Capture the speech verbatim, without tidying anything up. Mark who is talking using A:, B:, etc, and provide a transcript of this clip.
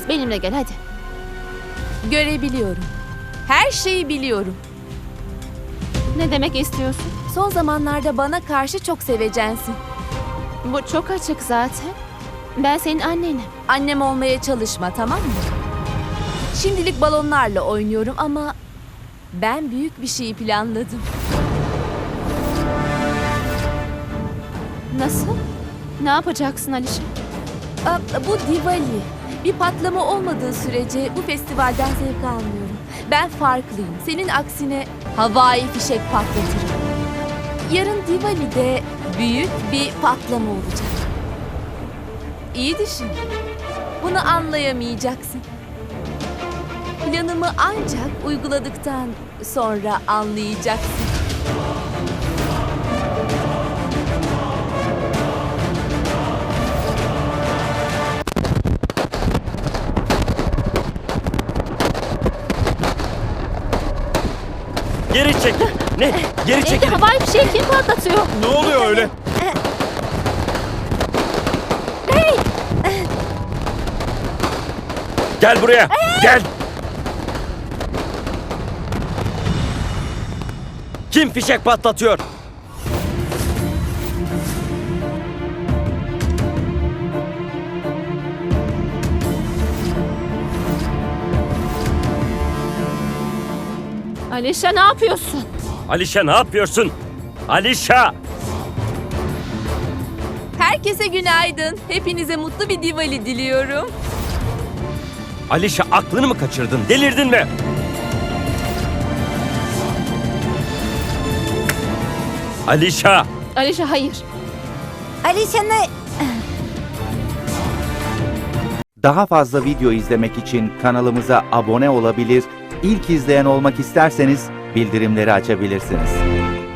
A: Benimle gel hadi.
B: Görebiliyorum. Her şeyi biliyorum.
A: Ne demek istiyorsun?
B: Son zamanlarda bana karşı çok sevecensin.
A: Bu çok açık zaten. Ben senin annenim.
B: Annem olmaya çalışma, tamam mı? Şimdilik balonlarla oynuyorum ama ben büyük bir şey planladım.
A: Nasıl? Ne yapacaksın Alişa?
B: Aa, bu Diwali. Bir patlama olmadığı sürece bu festivalden zevk almıyorum. Ben farklıyım. Senin aksine havai fişek patlatırım. Yarın Diwali'de büyük bir patlama olacak. İyi düşün. Bunu anlayamayacaksın. Planımı ancak uyguladıktan sonra anlayacaksın.
C: Geri çekil. Ne? Geri
A: Evde
C: çekil.
A: havai fişeği kim patlatıyor?
D: Ne oluyor öyle?
C: Gel buraya. Gel. Kim fişek patlatıyor?
A: Alişa ne yapıyorsun?
C: Alişa ne yapıyorsun? Alişa!
B: Herkese günaydın. Hepinize mutlu bir Diwali diliyorum.
C: Alişa aklını mı kaçırdın? Delirdin mi? Alişa!
A: Alişa hayır.
B: Alişa ne?
E: Daha fazla video izlemek için kanalımıza abone olabilir, ilk izleyen olmak isterseniz bildirimleri açabilirsiniz.